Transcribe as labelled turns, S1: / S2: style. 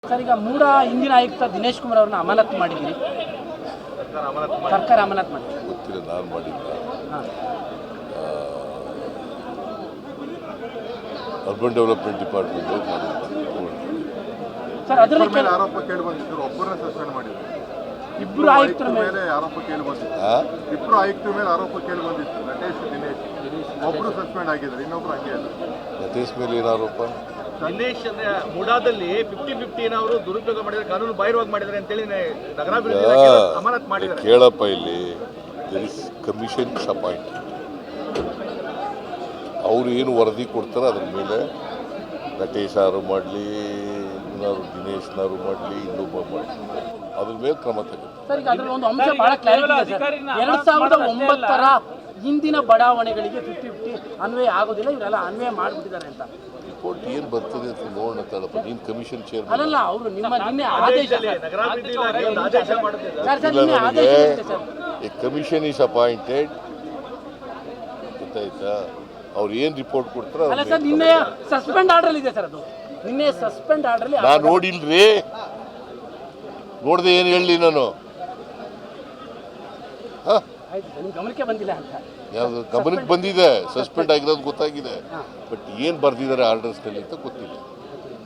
S1: Sir, ಈಗ ಮೂಡ ಹಿಂದಿನ ಆಯುಕ್ತ ದಿನೇಶ್ ಕುಮಾರ್ ಅವ್ರನ್ನ ಅಮಾನತು ಮಾಡಿದ್ದೀರಿ. ಸರ್ಕಾರ ಅಮಾನತು ಮಾಡಿ
S2: ಗೊತ್ತಿಲ್ಲ, ನಾನು ಮಾಡಿಲ್ಲ. ಅರ್ಬನ್ ಡೆವಲಪ್ಮೆಂಟ್ ಡಿಪಾರ್ಟ್ಮೆಂಟ್
S1: ಸರ್, ಅದರಲ್ಲಿ
S3: ಮೇಲೆ ಆರೋಪ ಕೇಳಿ ಬಂದಿದ್ರು, ಒಬ್ಬರನ್ನ ಸಸ್ಪೆಂಡ್ ಮಾಡಿದ್ರು.
S1: ಇಬ್ಬರು ಆಯುಕ್ತರ ಮೇಲೆ
S3: ಆರೋಪ ಕೇಳಿ ಬಂದಿತ್ತು. ಇಬ್ಬರು ಆಯುಕ್ತರ ಮೇಲೆ ಆರೋಪ ಕೇಳಿ ಬಂದಿತ್ತು. ನಟೇಶ್, ದಿನೇಶ್ ಒಬ್ರು ಸಸ್ಪೆಂಡ್ ಆಗಿದ್ದಾರೆ, ಇನ್ನೊಬ್ರು ಹಂಗೆ ಇಲ್ಲ.
S2: ನಟೇಶ್ ಮೇಲೆ ಏನು ಆರೋಪ?
S4: ದಿನೇಶ್ ಅಂದ್ರೆ ಮುಡಾದಲ್ಲಿ 50-50 ಅವರು ದುರುಪಯೋಗ ಮಾಡಿದ್ದಾರೆ, ಕಾನೂನು ಬಾಹಿರವಾಗಿ ಮಾಡಿದ್ದಾರೆ ಅಂತೇಳಿ ನಗರಾಭಿವೃದ್ಧಿ ಇಲಾಖೆ ಅಮಾನತು ಮಾಡಿದ್ದಾರೆ.
S2: ಕೇಳಪ್ಪ, ಇಲ್ಲಿ ದೇರ್ ಇಸ್ ಕಮಿಷನ್ ಅಪಾಯಿಂಟೆಡ್. ಅವರು ಏನು ವರದಿ ಕೊಡ್ತಾರೆ ಅದ್ರ ಮೇಲೆ ನಟೇಶ್ ಯಾರು ಮಾಡಲಿ, ಇನ್ನಾರು ದಿನೇಶ್ನಾರು ಮಾಡಲಿ, ಇನ್ನೊಬ್ಬ ಮಾಡಲಿ, ಅದ್ರ ಮೇಲೆ ಕ್ರಮ ತಗೋತಾರೆ.
S1: ಸರ್, ಈಗ ಅದರಲ್ಲಿ ಒಂದು ಅಂಶ ಬಹಳ ಕ್ಲಾರಿಟಿ ಇದೆ ಸರ್. 2009ರ ಹಿಂದಿನ ಬಡಾವಣೆಗಳಿಗೆ 50-50 ಅನ್ವಯ ಆಗೋದಿಲ್ಲ, ಇವರೆಲ್ಲ ಅನ್ವಯ ಮಾಡಿಬಿಟ್ಟಿದ್ದಾರೆ ಅಂತ.
S2: ರಿಪೋರ್ಟ್ ಏನು ಬರ್ತದೆ ಅಂತ ನೋಡೋಣ ತಡಪ್ಪ. ನೀನು ಕಮಿಷನ್ ಚೇರ್
S1: ಅಲ್ಲಲ್ಲ, ಅವರು ನಿಮ್ಮ ನಿನ್ನೆ ಆದೇಶ
S4: ನಗರಾಭಿವೃದ್ಧಿ ಇಲಾಖೆ ಒಂದು ಆದೇಶ ಮಾಡುತ್ತಿದೆ.
S1: ಸರ್, ನಿನ್ನೆ ಆದೇಶ ಇದೆ sir.
S2: A commission is appointed, ಗೊತ್ತಾಯ್ತಾ? ಅವ್ರು ಏನು ರಿಪೋರ್ಟ್ ಕೊಡ್ತಾರೆ
S1: ಅಲ್ಲ ಸರ್, ನಿನ್ನೆ ಸಸ್ಪೆಂಡ್ ಆರ್ಡರ್ ಇದೆ ಸರ್. ಅದು ನಿನ್ನೆ ಸಸ್ಪೆಂಡ್ ಆರ್ಡರ್
S2: ನಾನು ನೋಡಿಲ್ರಿ, ನೋಡ್ದೆ ಏನು ಹೇಳಲಿ ನಾನು?
S1: ಆಯ್ತು ಸರ್, ನಿಮ್ಮ ಗಮನಕ್ಕೆ ಬಂದಿಲ್ಲ ಅಂತ.
S2: ಯಾವುದು ಗಮನಕ್ಕೆ ಬಂದಿದೆ? ಸಸ್ಪೆಂಡ್ ಆಗಿರೋದು ಗೊತ್ತಾಗಿದೆ, ಬಟ್ ಏನು ಬರ್ದಿದ್ದಾರೆ ಆರ್ಡರ್ಸ್ನಲ್ಲಿ ಅಂತ ಗೊತ್ತಿಲ್ಲ.